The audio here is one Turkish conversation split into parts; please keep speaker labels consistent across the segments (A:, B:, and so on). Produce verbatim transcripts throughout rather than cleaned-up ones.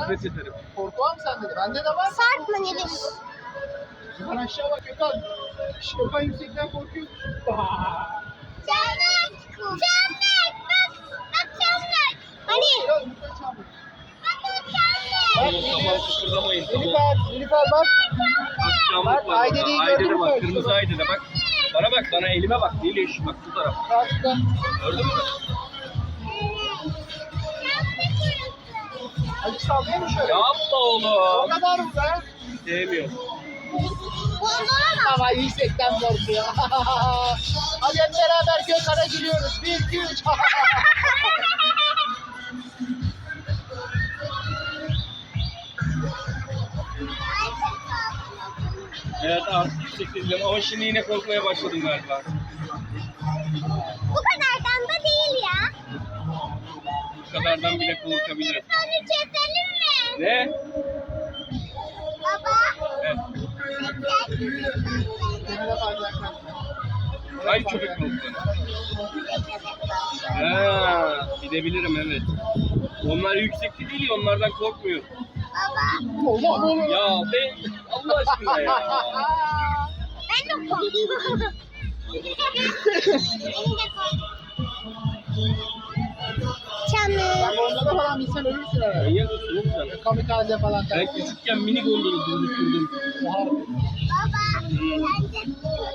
A: nefret ederim.
B: Korku var mı sende de? Bende de var.
C: Sarpma Niliş.
B: Yukarı aşağı bak Gökhan. Gökhan yüksekten korkuyor.
C: Çamlık. Çamlık. Bak. Bak çamlık. Hani?
B: Biraz yukarı çarpın.
C: Bak o çamlık.
B: Bak
A: Oğlum tamam kıpırdamayın. Tamam.
B: Nilüfer, Nilüfer bak.
A: Akşamlık
B: Bak,
A: var.
B: Aydere'yi
A: Ayde'de
B: gördün mü?
A: bak. Kırmızı Ayde'de bak. Bana bak. Bana elime bak. Niliş. Bak bu taraf.
B: Karşıda.
A: Gördün mü?
B: Azıcık sallıyor mu şöyle?
A: Yapma
B: O
A: oğlum.
B: kadar mı be?
A: Sevmiyorum.
B: Ama yüksekten korkuyor. Hadi hep beraber Gökhan'a gülüyoruz. Bir, iki, üç.
A: Evet artık yüksek izliyorum ama şimdi yine korkmaya başladım galiba.
C: Bu kadardan da değil ya.
A: Bu kadardan bile korkabilirim.
C: Onu keselim mi?
A: Ne?
C: Baba.
A: Evet.
B: Kenara bacaklar.
A: Ay köpek balıkları. Ha, gidebilirim evet. Onlar yüksekte değil ya onlardan korkmuyor.
C: Baba.
B: Oğlum oğlum.
A: Ya ben Allah aşkına ya.
C: Ben de korkuyorum. Beni de korkuyorum. Çamlık.
B: Bak onda falan insan ölürsün herhalde.
A: Manyak mısın oğlum sen?
B: Kamikaze falan.
A: Ben küçükken mini gondolu durdurdum.
C: Baba. Bence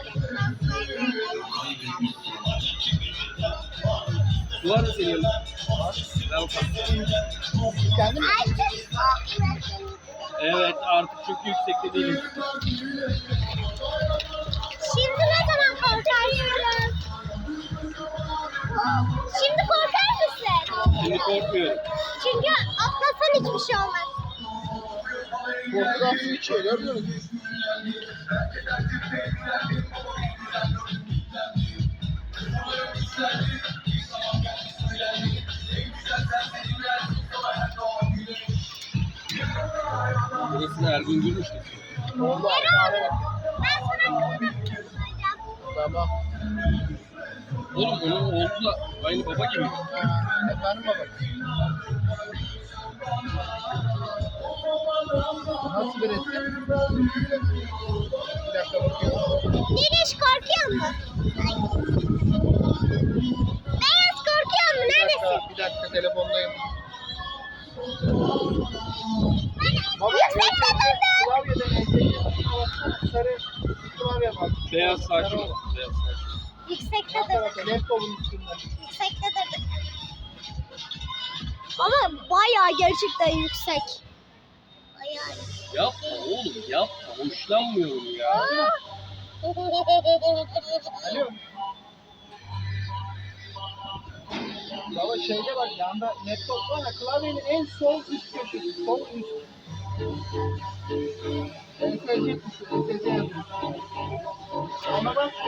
A: Bu var mı senin yanında? Ver bakalım.
B: Kendin mi?
C: Ay çok korkuyorum.
A: Evet artık çok yüksekte değilim.
C: Şimdi ne zaman korkarsın? Şimdi korkar mısın?
A: Şimdi korkmuyorum.
C: Çünkü atlasan hiçbir şey olmaz.
B: Korkudan su içiyor görmüyor musun?
A: Burasını her gün görmüştük.
B: Oldu abi.
C: Erol, ben sana kızım soracağım.
B: Tamam.
A: Oğlum onun oğlu da aynı baba gibi.
B: Efendim baba. Nasıl bir resim? Bir dakika bakıyorum.
C: Niliş korkuyor mu? Beyaz korkuyor mu?
B: Bir
C: Neredesin?
B: dakika, bir dakika telefondayım. Baba
C: Yüksekte durdum.
B: klavyeden ekleyeceğim. Sarı klavye var.
A: Beyaz saçlı. Beyaz saçlı.
C: Yüksekte
B: Sağ
C: durdum.
B: tarafta laptopun üstünde.
C: Yüksekte durdum. Ama bayağı gerçekten yüksek. Bayağı.
A: Yapma oğlum yapma. Hoşlanmıyorum ya.
B: Alo. Baba şeyde bak yanda laptop var ya klavyenin en sol üst köşesi. Sol üst. E S C tuşu. E S C yazıyor. Ona bak.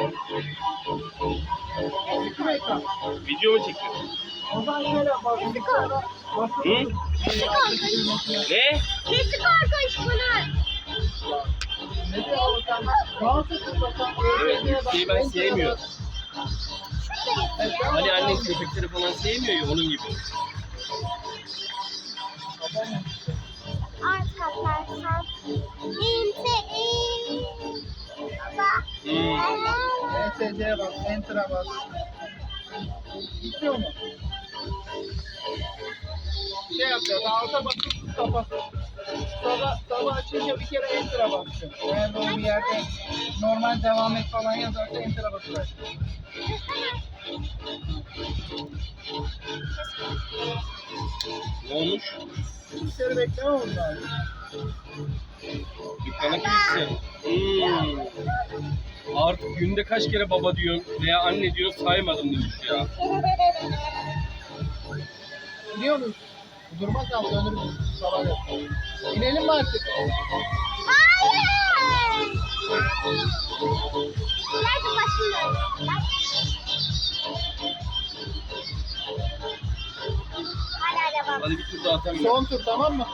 B: Çıktı mı ekran?
A: Video mu çekiyorsun?
B: O zaman şöyle bak. Bilgisayarda basın.
A: Hı?
C: Nesi korkunç?
A: Ne?
C: Nesi korkunç bunun?
B: Ne diyor abi sen? Nasıl tıklasan?
A: Evet yükseği ben sevmiyorum.
B: Evet,
A: Hani annem köpekleri falan sevmiyor ya onun gibi.
C: Art katlarsan. İnte Baba.
A: Hmm.
B: E S C'ye bas, Enter'a bas. Gitmiyor mu? Şey yapıyor, daha alta basıp kapat. Sonra sabah açınca bir kere Enter'a basıyor. Eğer doğru bir yerde normal devam et falan yazarsa Enter'a basıyor.
A: Ne olmuş?
B: Bilgisayarı bekleme oldu abi.
A: Dükkana kilitli. Hmm. Artık günde kaç kere baba diyorsun veya anne diyorsun saymadım demiş ya.
B: Biliyor musun? Durmaz ama dönürüz sabah yapalım. İnelim mi artık?
C: Hayır. Nerede başlıyor? Hala devam.
A: Hadi bir tur daha atalım.
B: Son tur tamam mı?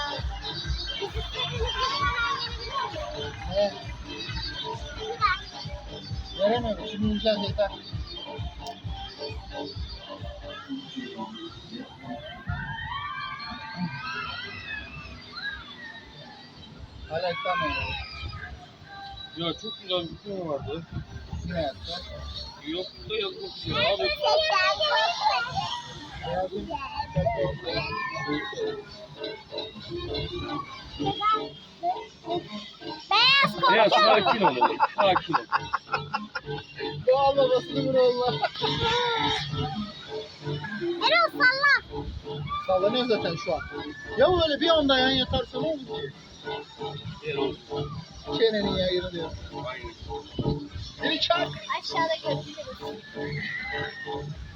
B: Evet. Veremiyorum. Şimdi ineceğiz yeter. Alaktan mı?
A: Ya çok güzel bir film vardı.
B: Ne yaptı?
A: Yok da yazmak istiyor abi.
B: Yazın.
C: Beyaz
A: Ya
C: korkuyor.
A: sakin ol oğlum. Sakin ol.
B: Doğal babasını vur Allah.
C: Erol salla.
B: Sallanıyor zaten şu an. Ya öyle bir anda yan yatarsa ne olur ki?
A: Erol.
B: Çenenin yayını diyor.
A: Aynen.
B: Biri çak.
C: Aşağıda görüşürüz.